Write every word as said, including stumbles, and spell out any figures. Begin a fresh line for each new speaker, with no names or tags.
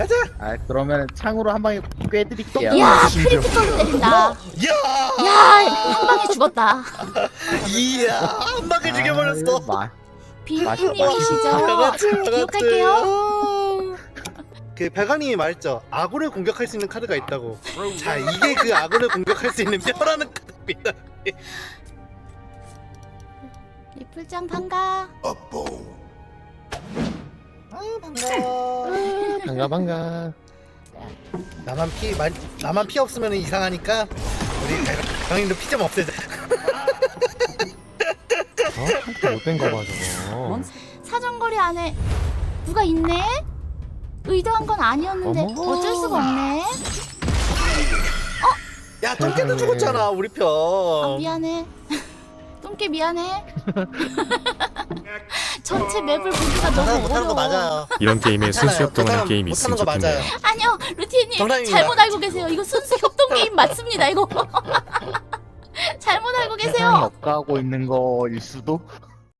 가자.
아 그러면 창으로 한 방에 꿰드릴게요.
야 크리티컬로 때린다.
야,
야한 방에 죽었다.
이야, 한 방에 죽여버렸어.
마,
비프님이시죠?
알았지,
기억할게요.
알았지. 그 발광님이 말했죠. 아군을 공격할 수 있는 카드가 있다고. 자, 이게 그 아군을 공격할 수 있는 뼈라는 카드입니다.
리플짱 반가.
아, 반가워.
반가 반가.
나만 피, 만, 나만 피 없으면 이상하니까 우리 발광님도 피 좀 없애자.
어? 못된 거 봐 저거.
사정거리 안에 누가 있네? 의도한 건 아니었는데
어머.
어쩔 수가 없네.
야, 똥개도
세상에.
죽었잖아, 우리 편.
아, 미안해. 똥개 미안해. 전체 맵을 보기가
저 사람
너무
못하는 거
어려워.
맞아요.
이런 게임에 순수
괜찮아요. 저
협동하는
사람
게임이
못하는
있으면
거
좋겠네요.
맞아요.
아니요, 루티님
정답입니다.
잘못 알고 계세요. 이거 순수 협동 게임 맞습니다. 이거 잘못 알고
세상이
계세요.
업가하고 있는 거일 수도.